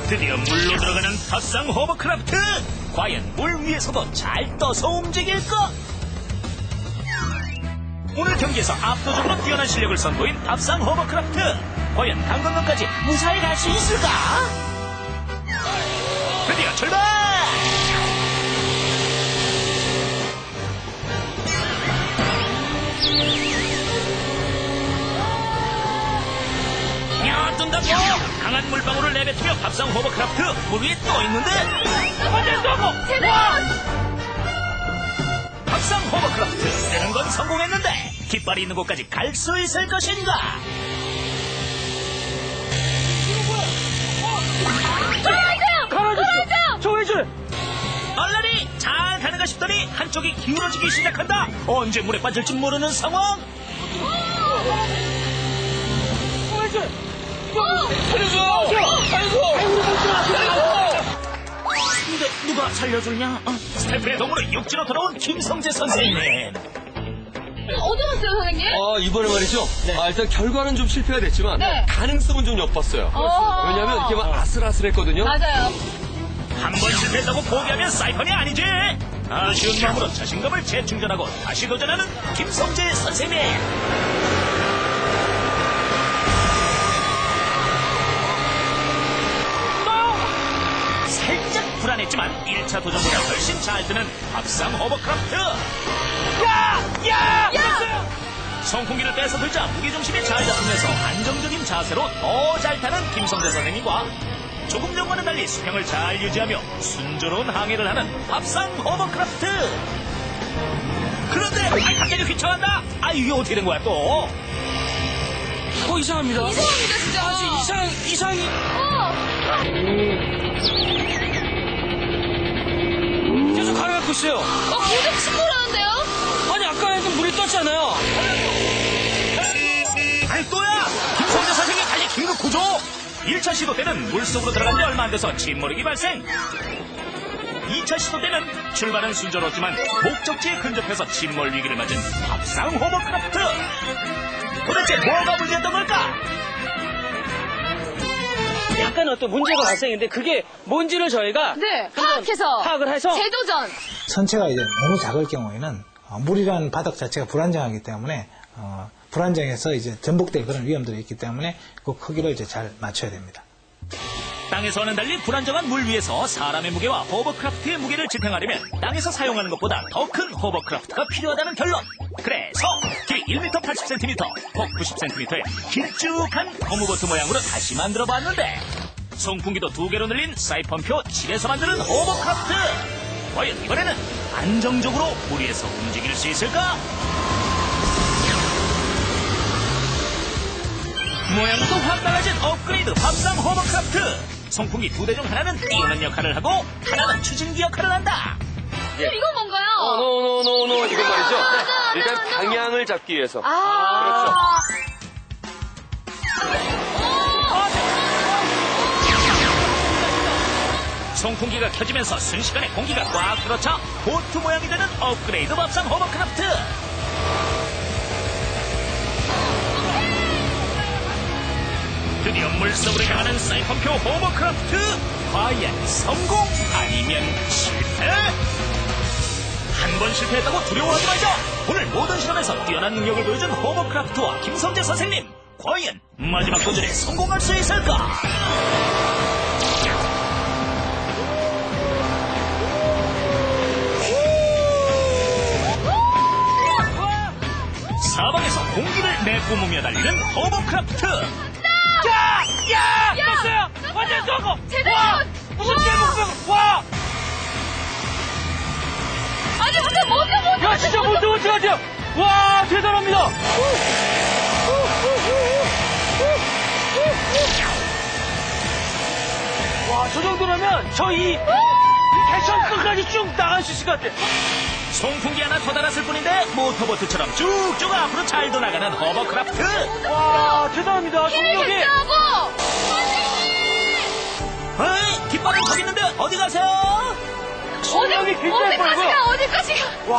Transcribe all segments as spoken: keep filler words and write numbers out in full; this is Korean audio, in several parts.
드디어 물로 들어가는 탑상 호버크라프트. 과연 물 위에서도 잘 떠서 움직일까? 오늘 경기에서 압도적으로 뛰어난 실력을 선보인 탑상 호버크라프트. 과연 강건강까지 무사히 갈 수 있을까? 드디어 출발! 야, 뜬다고! 강한 물방울을 내뱉으며 탑상 호버크라프트 물 위에 떠 있는데 완전 성공! 제발! 탑상 호버크라프트 뜨는 건 성공했는데 깃발이 있는 곳까지 갈 수 있을 것인가? 걸어줘! 걸어줘! 조회줄! 얼라리 잘 가는가 싶더니 한쪽이 기울어지기 시작한다. 언제 물에 빠질지 모르는 상황. 조회줄! 살려줘! 아이고! 아이고! 근데 누가 살려주냐? 어? 스태프의 도움으로 육지로 돌아온 김성재 선생님. 어디 갔어요, 선생님? 아, 이번에 말이죠. 아, 일단 결과는 좀 실패가 됐지만 네. 가능성은 좀 엿봤어요. 어. 왜냐하면 이렇게 막 아슬아슬했거든요. 맞아요. 한 번 실패했다고 포기하면 사이펀이 아니지. 아쉬운 마음으로 자신감을 재충전하고 다시 도전하는 김성재 선생님. 살짝 불안했지만 일 차 도전보다 훨씬 잘 뜨는 탑상 호버크라프트. 야! 야! 야! son풍기를 빼서 들자 무게중심이 잘 잡히면서 안정적인 자세로 더 잘 타는 김성재 선생님과 조금 전과는 달리 수평을 잘 유지하며 순조로운 항해를 하는 탑상 호버크라프트. 그런데 아, 갑자기 휘청한다. 아, 이게 어떻게 된 거야 또? 어, 이상합니다. 이상합니다, 진짜. 아주 이상, 이상이. 어. 계속 가라앉고 있어요. 어, 계속 침몰하는데요? 아니, 아까는 물이 떴잖아요. 아니 또야! 김성재 선생님 다시 긴급 구조! 일 차 시도 때는 물속으로 들어간 지 얼마 안 돼서 침몰이 발생. 이 차 시도 때는 출발은 순조로웠지만 목적지에 근접해서 침몰 위기를 맞은 탑상 호버크라프트. 도대체 뭐가 문제였던 걸까? 약간 어떤 문제가 발생했는데 그게 뭔지를 저희가 네, 파악해서. 파악을 해서 재도전. 선체가 이제 너무 작을 경우에는 어, 물이라는 바닥 자체가 불안정하기 때문에 어, 불안정해서 이제 전복될 그런 위험들이 있기 때문에 그 크기를 이제 잘 맞춰야 됩니다. 땅에서와는 달리 불안정한 물 위에서 사람의 무게와 호버크라프트의 무게를 지탱하려면 땅에서 사용하는 것보다 더 큰 호버크라프트가 필요하다는 결론. 그래서 길이 일 미터 팔십 센티미터, 폭 구십 센티미터의 길쭉한 고무보트 모양으로 다시 만들어봤는데 송풍기도 두 개로 늘린 사이펀표 칠에서 만드는 호버크라프트. 과연 이번에는 안정적으로 물 위에서 움직일 수 있을까? 모양도 확 달라진 업그레이드 탑상 호버크라프트. 송풍기 두 대 중 하나는 띄우는 역할을 하고 하나는 추진기 역할을 한다. 그럼 이건 뭔가요? 어, 노, 노, 노, 노. 이건 말이죠. 아, 네, 일단 네, 네. 방향을 잡기 위해서. 아. 송풍기가 켜지면서 순식간에 공기가 꽉 들어차 보트 모양이 되는 업그레이드 탑상 호버크라프트. 드디어 물속으로 향하는 사이펀표 호버크라프트. 과연 성공 아니면 실패? 한 번 실패했다고 두려워하지 말자. 오늘 모든 실험에서 뛰어난 능력을 보여준 호버크라프트와 김성재 선생님, 과연 마지막 도전에 성공할 수 있을까? 사방에서 공기를 내뿜으며 달리는 호버크라프트. 야! 야! 야! 떴어요! 완전 성공! 제대로! 와! 무슨 대목병! 와! 아니, 근데 먼저 먼저. 야, 진짜 못해, 못해, 못해! 와, 대단합니다! 와, 저 정도라면 저 이 개천 끝까지 쭉 나갈 수 있을 것 같아. 송풍기 하나 더 달았을 뿐인데 모터보트처럼 쭉쭉 앞으로 잘도 나가는 호버크라프트. 와, 대단합니다. 동력이. 힘들다고. 어이, 깃발은 저기 있는데 어디 가세요? 동력이 굉장히 어디까지 빠르고요. 가, 어디까지 가. 와.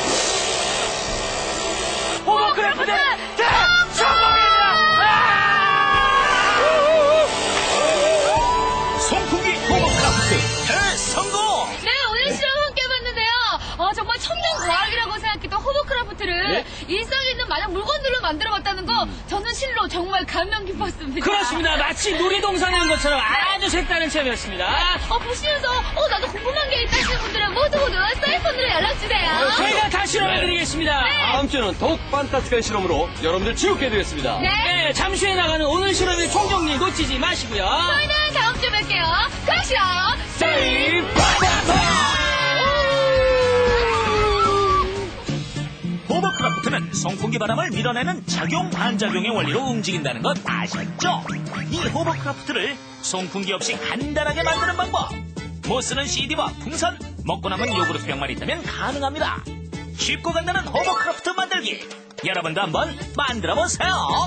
호버크래프트 대성공입니다! 송풍기 호버크라프트 대성공! 네, 오늘 실험 함께 해봤는데요. 어, 정말 첨단 과학이라고 생각했던 호버크라프트를 네? 일상에 있는 많은 물건들로 만들어봤다는 거 저는 실로 정말 감명 깊었습니다. 그렇습니다. 마치 놀이동산에 온 것처럼 아주 색다른 체험이었습니다. 어, 보시면서 어, 나도 궁금한 게 있다 하시는 분들은 모두 모두 사이펀으로 연락주세요. 저희가 다 실험해드리겠습니다. 다음 주에는 더욱 판타스틱한 실험으로 여러분들 즐겁게 해드리겠습니다. 네. 네, 잠시 후에 나가는 오늘 실험의 총정리 놓치지 마시고요. 저희는 다음 주에 뵐게요. 크러쉬! 세이프! 호버크라프트는 송풍기 바람을 밀어내는 작용 반작용의 원리로 움직인다는 것 아셨죠? 이 호버크라프트를 송풍기 없이 간단하게 만드는 방법. 못 쓰는 씨디와 풍선, 먹고 남은 요구르트병만 있다면 가능합니다. 쉽고 간단한 호버크라프트 만들기. 여러분도 한번 만들어 보세요.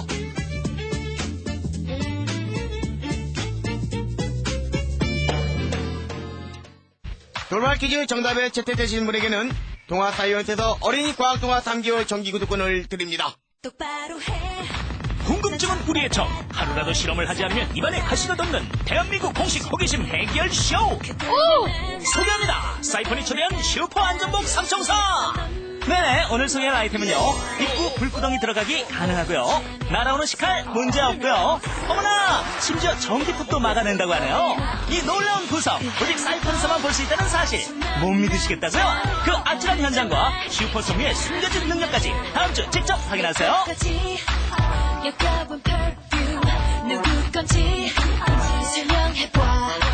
돌발 퀴즈 정답에 채택되신 분에게는 동아사이언스에서 어린이 과학동화 삼 개월 정기구독권을 드립니다. 똑바로 해. 궁금증은 우리의 적. 하루라도 실험을 하지 않으면 입안에 가시가 돋는 대한민국 공식 호기심 해결 쇼. 오! 소개합니다. 사이펀이 초대한 슈퍼 안전복 삼총사. 네, 오늘 소개할 아이템은요. 입구 불구덩이 들어가기 가능하고요. 날아오는 식칼 문제 없고요. 어머나, 심지어 전기톱도 막아낸다고 하네요. 이 놀라운 구성, 오직 사이펀에서만 볼 수 있다는 사실 못 믿으시겠다고요? 그 아찔한 현장과 슈퍼송유의 숨겨진 능력까지 다음 주 직접 확인하세요. 까지 역겨운 perfume 누구 건지 설명해봐.